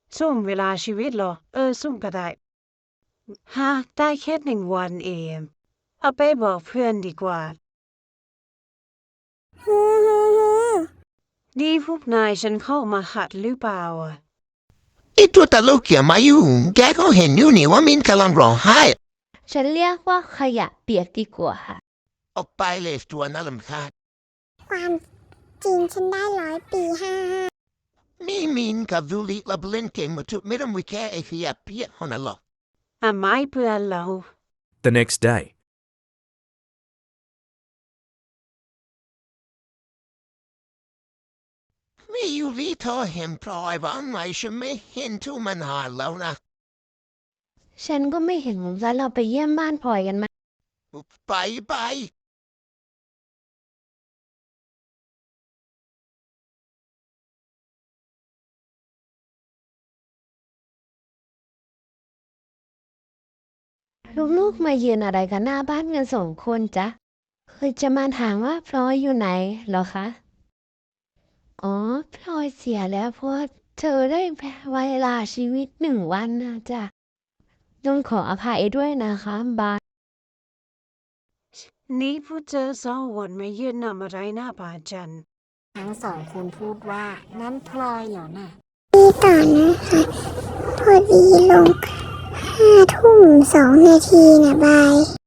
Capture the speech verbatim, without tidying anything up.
ซุ่มเวลาชีวิตเหรอเออซุ่มก็ได้ฮะได้แค่หนึ่งวันเองเอาไปบอกเพื่อนดีกว่าฮือฮือฮือนี่พวกนายฉันเข้ามาหัดหรือเปล่าอ่ะไอ้ตัวตลกอย่ามายุ่งแกก็เห็นอยู่นี่ว่ามินกำลังร้องไห้ฉันเรียกว่าขยะเปียกดีกว่าค่ะออกไปเลยตัวน่ารำคาญความจริงฉันได้ร้อยปีห้าห้านี่มินกับดูลิลับเล่นเกมมาทุกไม่ต้องวิแค่ไอ้ขยะเปียกคนนั้นหรอกอ่ะไม่เพื่อนเรา The next day. ไม่อยู่ที่เธอเห็นพลอยบ้างไหมฉันไม่เห็นทุกมันหายแล้วนะฉันก็ไม่เห็นเหมือนกันเราไปเยี่ยมบ้านพลอยกันไหมไปไปลูกๆมายืนอะไรกันหน้าบ้านกันสองคนจ๊ะเคยจะมาถามว่าพลอยอยู่ไหนเหรอคะอ๋อพลอยเสียแล้วเพราะว่าเธอได้เวลาชีวิตหนึ่งวันนะจ๊ะต้องขออภัยด้วยนะคะบายนี่พวกเธอสองคนมายืนนำอะไรหน้าบ้านฉันทั้งสองคนพูดว่านั่นพลอยเหรอน่ะนี่ต่อนะคะพอดีลงห้าทุ่มสองนาทีนะบาย